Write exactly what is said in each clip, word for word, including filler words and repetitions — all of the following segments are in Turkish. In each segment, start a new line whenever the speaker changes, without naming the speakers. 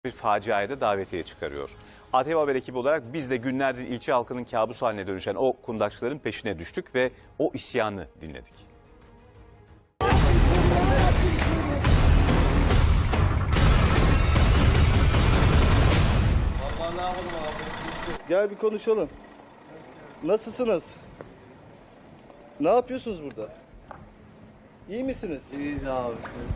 bir faciaya da davetiye çıkarıyor. A T V Haber ekibi olarak biz de günlerdir ilçe halkının kabus haline dönüşen o kundaksçıların peşine düştük ve o isyanı dinledik.
Gel bir konuşalım. Nasılsınız? Ne yapıyorsunuz burada? İyi misiniz?
İyiyiz abi.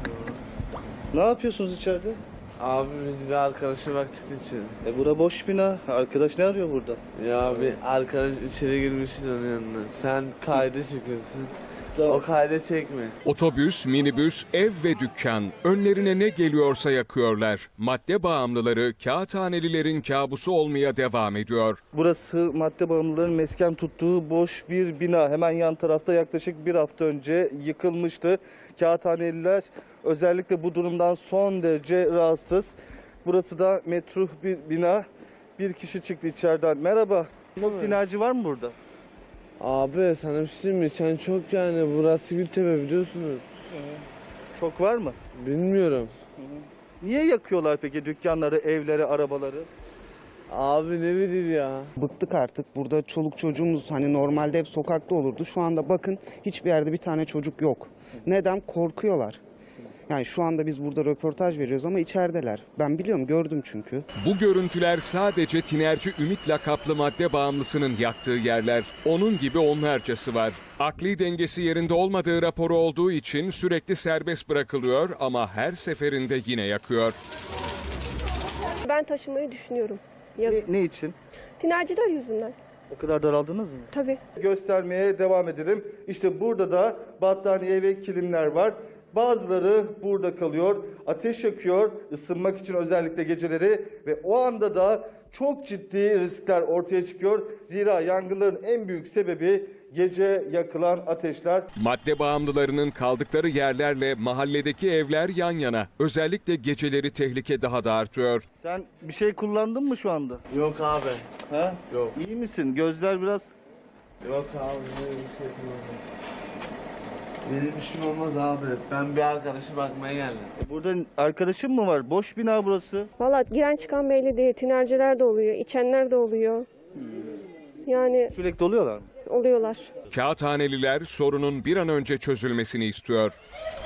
Ne yapıyorsunuz içeride?
Abi biz bir arkadaşa baktık için.
E bura boş bina. Arkadaş ne arıyor burada?
Ya bir arkadaş içeri girmişiz onun yanına. Sen kayda çıkıyorsun.
Tamam.
O kayda çekme.
Otobüs, minibüs, ev ve dükkan önlerine ne geliyorsa yakıyorlar. Madde bağımlıları kağıthanelilerin kabusu olmaya devam ediyor.
Burası madde bağımlıların mesken tuttuğu boş bir bina. Hemen yan tarafta yaklaşık bir hafta önce yıkılmıştı. Kağıthaneliler özellikle bu durumdan son derece rahatsız. Burası da metruh bir bina. Bir kişi çıktı içeriden. Merhaba. Çok tinerci var mı burada?
Abi sana bir şey diyeyim mi? Sen çok yani burası Gültepe biliyorsunuz.
Çok var mı?
Bilmiyorum.
Niye yakıyorlar peki dükkanları, evleri, arabaları?
Abi ne bileyim ya.
Bıktık artık. Burada çoluk çocuğumuz hani normalde hep sokakta olurdu. Şu anda bakın hiçbir yerde bir tane çocuk yok. Neden? Korkuyorlar. Yani şu anda biz burada röportaj veriyoruz ama içerideler. Ben biliyorum, gördüm çünkü.
Bu görüntüler sadece tinerci Ümit lakaplı madde bağımlısının yaktığı yerler. Onun gibi onlarcası var. Akli dengesi yerinde olmadığı raporu olduğu için sürekli serbest bırakılıyor ama her seferinde yine yakıyor.
Ben taşımayı düşünüyorum. Yazın.
Ne, ne için?
Tinerciler yüzünden.
O kadar daraldınız mı?
Tabii.
Göstermeye devam edelim. İşte burada da battaniye ve kilimler var. Bazıları burada kalıyor, ateş yakıyor, ısınmak için özellikle geceleri ve o anda da çok ciddi riskler ortaya çıkıyor. Zira yangınların en büyük sebebi gece yakılan ateşler.
Madde bağımlılarının kaldıkları yerlerle mahalledeki evler yan yana. Özellikle geceleri tehlike daha da artıyor.
Sen bir şey kullandın mı şu anda?
Yok abi.
Ha?
Yok.
İyi misin? Gözler biraz...
Yok abi ne bir şey kullanmadım. Benim işim olmaz abi. Ben bir arkadaşa bakmaya geldim.
E burada arkadaşın mı var? Boş bina burası.
Valla giren çıkan belli değil. Tinerciler de oluyor, içenler de oluyor. Yani
Sürekli oluyorlar mı?
oluyorlar.
Kağıthaneliler sorunun bir an önce çözülmesini istiyor.